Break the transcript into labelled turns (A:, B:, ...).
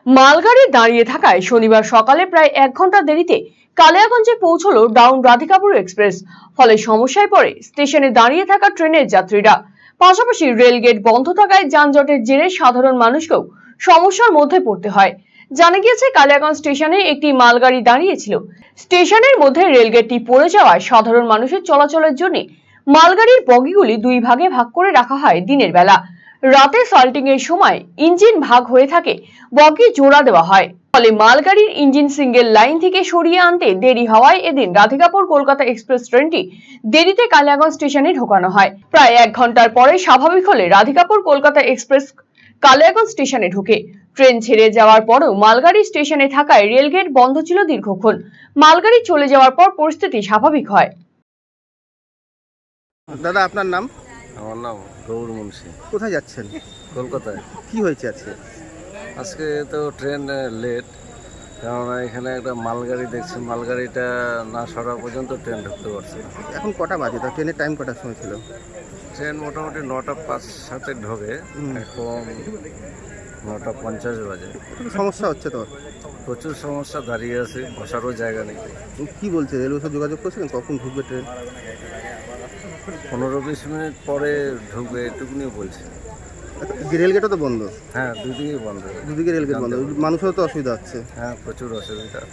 A: মালগাড়ি দাঁড়িয়ে থাকায় শনিবার সকালে প্রায় 1 ঘন্টা দেরিতে কালিয়াগঞ্জে পৌঁছলো ডাউন রাধিকাপুর এক্সপ্রেস। ফলে সমস্যায় পড়ে স্টেশনে দাঁড়িয়ে থাকা ট্রেনের যাত্রীরা। পাশাপাশি রেলগেট বন্ধ থাকায় যানজটের জেরে সাধারণ মানুষকেও সমস্যার মধ্যে পড়তে হয়। জানা গিয়েছে, কালিয়াগঞ্জ স্টেশনে একটি মালগাড়ি দাঁড়িয়েছিল। স্টেশনের মধ্যে রেলগেটটি পড়ে যাওয়ায় সাধারণ মানুষের চলাচলের জন্য মালগাড়ির বগিগুলি দুই ভাগে ভাগ করে রাখা হয়। দিনের বেলা রাতে সল্টিং এর সময় ইঞ্জিন ভাগ হয়ে থাকে, বগি জোড়া দেওয়া হয়। ফলে মালগাড়ির ইঞ্জিন সিঙ্গেল লাইন থেকে সরিয়ে আনতে দেরি হওয়ায় এদিন রাধিকাপুর কলকাতা এক্সপ্রেস ট্রেনটি দেরিতে কালিয়াগঞ্জ স্টেশনে ঢোকানো হয়। প্রায় 1 ঘন্টার পরে স্বাভাবিক হলে রাধিকাপুর কলকাতা এক্সপ্রেস কালিয়াগঞ্জ স্টেশনে ঢোকে। ট্রেন ছেড়ে যাওয়ার পরও মালগাড়ি স্টেশনে থাকায় রেলগেট বন্ধ ছিল দীর্ঘক্ষণ। মালগাড়ি চলে যাওয়ার পর পরিস্থিতি স্বাভাবিক হয়।
B: দাদা, আপনার নাম?
C: আমার নাম গৌর মুন্সি।
B: কোথায় যাচ্ছেন?
C: কলকাতায়।
B: কি হয়েছে আজকে?
C: আজকে তো ট্রেন লেট, কেননা এখানে একটা মালগাড়ি দেখছি, মালগাড়িটা না সরা পর্যন্ত ট্রেন ঢুকতে পারছে না।
B: এখন কটা বাজে? তা ট্রেনের টাইম কটার সময় ছিল?
C: ট্রেন মোটামুটি 9টা 5-7 ঢোকে, এখন 9টা 50 বাজে।
B: খুব সমস্যা হচ্ছে তো?
C: প্রচুর সমস্যা, দাঁড়িয়ে আছে, বসারও জায়গা নেই।
B: কি বলছে রেলওয়ে সাথে যোগাযোগ করছিলেন কখন ঢুকবে ট্রেন?
C: 15-20 মিনিট পরে ঢুকবে, এটুকুনি বলছে।
B: রেলগেটও তো বন্ধ?
C: হ্যাঁ, দুদিকেই বন্ধ।
B: দুদিকে রেলগেট বন্ধ, মানুষেরও তো অসুবিধা হচ্ছে।
C: হ্যাঁ, প্রচুর অসুবিধা।